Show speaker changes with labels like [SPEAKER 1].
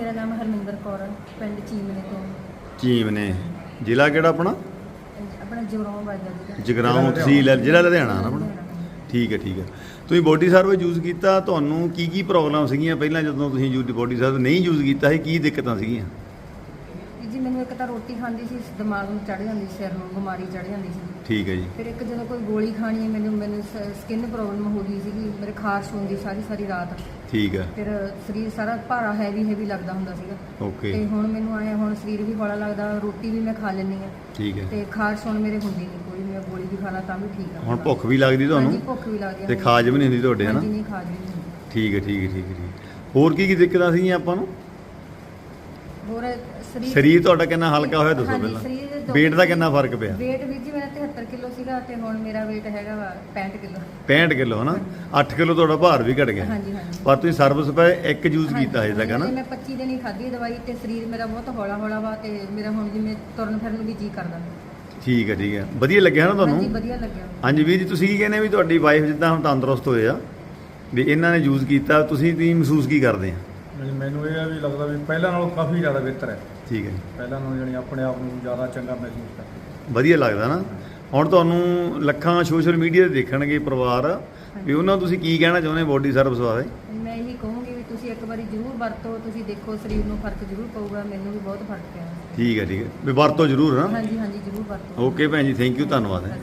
[SPEAKER 1] ਮੇਰਾ ਨਾਮ ਹਰਮਿੰਦਰ ਕੌਰ ਹੈ, ਪਿੰਡ ਚੀਮਨੇ ਤੋਂ।
[SPEAKER 2] ਚੀਮਨੇ ਜ਼ਿਲ੍ਹਾ ਕਿਹੜਾ ਆਪਣਾ?
[SPEAKER 1] ਆਪਣਾ ਜਗਰਾਉਂ ਵੱਜਦਾ ਜੀ।
[SPEAKER 2] ਜਗਰਾਉਂ ਤਹਿਸੀਲ ਹੈ, ਜ਼ਿਲ੍ਹਾ ਲੁਧਿਆਣਾ ਨਾ ਆਪਣਾ। ਠੀਕ ਹੈ ਠੀਕ ਹੈ। ਤੁਸੀਂ ਬੋਡੀ ਸਰਵਿਸ ਯੂਜ਼ ਕੀਤਾ, ਤੁਹਾਨੂੰ ਕੀ ਕੀ ਪ੍ਰੋਬਲਮ ਸੀਗੀਆਂ ਪਹਿਲਾਂ ਜਦੋਂ ਤੁਸੀਂ ਬੋਡੀ ਸਰਵਿਸ ਨਹੀਂ ਯੂਜ਼ ਕੀਤਾ ਸੀ? ਕੀ ਦਿੱਕਤਾਂ ਸੀਗੀਆਂ
[SPEAKER 1] ਜੀ? ਮੈਨੂੰ ਇੱਕ ਤਾਂ ਰੋਟੀ ਖਾਂਦੀ ਸੀ, ਦਿਮਾਗ ਨੂੰ ਚੜ੍ਹ ਜਾਂਦੀ, ਸਿਰ ਨੂੰ ਬਿਮਾਰੀ ਚੜ੍ਹ ਜਾਂਦੀ ਸੀ।
[SPEAKER 2] ਠੀਕ ਹੈ ਜੀ।
[SPEAKER 1] ਫਿਰ ਇੱਕ ਜਦੋਂ ਕੋਈ ਗੋਲੀ ਖਾਣੀ ਹੈ, ਮੈਨੂੰ ਸਕਿਨ ਪ੍ਰੋਬਲਮ ਹੋ ਗਈ ਸੀਗੀ, ਮੇਰੇ ਖਾਰਸ਼ ਹੁੰਦੀ ਸਾਰੀ ਰਾਤ।
[SPEAKER 2] ਠੀਕ ਹੈ।
[SPEAKER 1] ਫਿਰ ਸਰੀਰ ਸਾਰਾ ਭਾਰਾ ਹੈਵੀ ਲੱਗਦਾ ਹੁੰਦਾ ਸੀਗਾ।
[SPEAKER 2] ਓਕੇ।
[SPEAKER 1] ਤੇ ਹੁਣ ਮੈਨੂੰ ਆਇਆ, ਹੁਣ ਸਰੀਰ ਵੀ ਹੌਲਾ ਲੱਗਦਾ, ਰੋਟੀ ਵੀ ਮੈਂ ਖਾ ਲੈਂਦੀ ਹਾਂ।
[SPEAKER 2] ਠੀਕ ਹੈ।
[SPEAKER 1] ਤੇ ਖਾਰਸ਼ ਹੁਣ ਮੇਰੇ ਹੁੰਦੀ ਨਹੀਂ ਕੋਈ, ਮੈਂ ਗੋਲੀ ਵੀ ਖਾ ਲਾਂ ਤਾਂ ਵੀ ਠੀਕ ਆ।
[SPEAKER 2] ਹੁਣ ਭੁੱਖ ਵੀ ਲੱਗਦੀ ਤੁਹਾਨੂੰ?
[SPEAKER 1] ਹਾਂਜੀ, ਭੁੱਖ ਵੀ ਲੱਗਦੀ
[SPEAKER 2] ਤੇ ਖਾਜ ਵੀ ਨਹੀਂ ਹੁੰਦੀ ਤੁਹਾਡੇ? ਹਨਾ,
[SPEAKER 1] ਨਹੀਂ ਖਾਜ ਵੀ ਨਹੀਂ ਹੁੰਦੀ।
[SPEAKER 2] ਠੀਕ ਹੈ ਠੀਕ ਹੈ ਠੀਕ ਹੈ ਠੀਕ। ਹੋਰ ਕੀ ਕੀ ਦਿੱਕਤਾਂ ਸੀਗੀਆਂ ਆਪਾਂ ਨੂੰ?
[SPEAKER 1] ਹੋਰ
[SPEAKER 2] ਸਰੀਰ ਤੁਹਾਡਾ ਕਿੰਨਾ ਹਲਕਾ ਹੋਇਆ ਦੱਸੋ ਪਹਿਲਾਂ। weight ਦਾ ਕਿੰਨਾ ਫਰਕ ਪਿਆ?
[SPEAKER 1] weight ਵੀ ਜੀ ਮੇਰਾ 73 ਕਿਲੋ ਸੀਗਾ ਤੇ ਹੁਣ ਮੇਰਾ weight ਹੈਗਾ ਵਾ 65 ਕਿਲੋ।
[SPEAKER 2] 65 ਕਿਲੋ ਹਨਾ, 8 ਕਿਲੋ ਤੁਹਾਡਾ ਭਾਰ ਵੀ ਘਟ ਗਿਆ।
[SPEAKER 1] ਹਾਂਜੀ ਹਾਂਜੀ।
[SPEAKER 2] ਪਰ ਤੁਸੀਂ ਸਰਵਿਸ ਪੈ ਇੱਕ ਯੂਜ਼ ਕੀਤਾ ਹਜੇ ਤੱਕ ਹਨਾ?
[SPEAKER 1] ਮੈਂ 25 ਦਿਨ ਹੀ ਖਾਧੀ ਦਵਾਈ ਤੇ ਸਰੀਰ ਮੇਰਾ ਬਹੁਤ ਹੌਲਾ ਵਾ ਤੇ ਮੇਰਾ ਹੁਣ ਜਿਵੇਂ ਤੁਰਨ ਫਿਰਨ ਨੂੰ ਵੀ ਜੀ ਕਰਦਾ।
[SPEAKER 2] ਠੀਕ ਹੈ ਠੀਕ ਹੈ। ਵਧੀਆ ਲੱਗਿਆ ਨਾ ਤੁਹਾਨੂੰ?
[SPEAKER 1] ਹਾਂਜੀ, ਵਧੀਆ ਲੱਗਿਆ।
[SPEAKER 2] ਹਾਂਜੀ ਵੀਰ ਜੀ, ਤੁਸੀਂ ਕੀ ਕਹਿੰਦੇ ਵੀ ਤੁਹਾਡੀ ਵਾਈਫ ਜਿੱਦਾਂ ਹੁਣ ਤੰਦਰੁਸਤ ਹੋਏ ਆ, ਵੀ ਇਹਨਾਂ ਨੇ ਯੂਜ਼ ਕੀਤਾ, ਤੁਸੀਂ ਮਹਿਸੂਸ ਕੀ ਕਰਦੇ ਆ?
[SPEAKER 3] ਮੈਨੂੰ ਇਹ ਆ ਵੀ ਲੱਗਦਾ ਵੀ ਪਹਿਲਾਂ ਨਾਲੋਂ ਕਾਫੀ ਜ਼ਿਆਦਾ ਬਿਹਤਰ ਹੈ।
[SPEAKER 2] ਠੀਕ ਹੈ ਜੀ।
[SPEAKER 3] ਪਹਿਲਾਂ ਨਾਲੋਂ ਜਾਣੀ ਆਪਣੇ ਆਪ ਨੂੰ ਜ਼ਿਆਦਾ ਚੰਗਾ ਮਹਿਸੂਸ ਕਰਦਾ।
[SPEAKER 2] ਵਧੀਆ ਲੱਗਦਾ ਨਾ। ਹੁਣ ਤੁਹਾਨੂੰ ਲੱਖਾਂ ਸੋਸ਼ਲ ਮੀਡੀਆ 'ਤੇ ਦੇਖਣਗੇ ਪਰਿਵਾਰ, ਵੀ ਉਹਨਾਂ ਨੂੰ ਤੁਸੀਂ ਕੀ ਕਹਿਣਾ ਚਾਹੁੰਦੇ ਬੋਡੀ ਸਰਵਿਸ ਬਾਰੇ?
[SPEAKER 1] ਮੈਂ ਇਹੀ ਕਹੂੰਗੀ ਵੀ ਤੁਸੀਂ ਇੱਕ ਵਾਰੀ ਜ਼ਰੂਰ ਵਰਤੋ, ਤੁਸੀਂ ਦੇਖੋ ਸਰੀਰ ਨੂੰ ਫਰਕ ਜ਼ਰੂਰ ਪਊਗਾ। ਮੈਨੂੰ ਵੀ ਬਹੁਤ ਫਰਕ ਪਿਆ।
[SPEAKER 2] ਠੀਕ ਹੈ ਠੀਕ ਹੈ, ਵੀ ਵਰਤੋ ਜ਼ਰੂਰ ਨਾ।
[SPEAKER 1] ਹਾਂਜੀ ਹਾਂਜੀ, ਜ਼ਰੂਰ ਵਰਤੋ।
[SPEAKER 2] ਓਕੇ ਭੈਣ ਜੀ, ਥੈਂਕ ਯੂ, ਧੰਨਵਾਦ ਹੈ।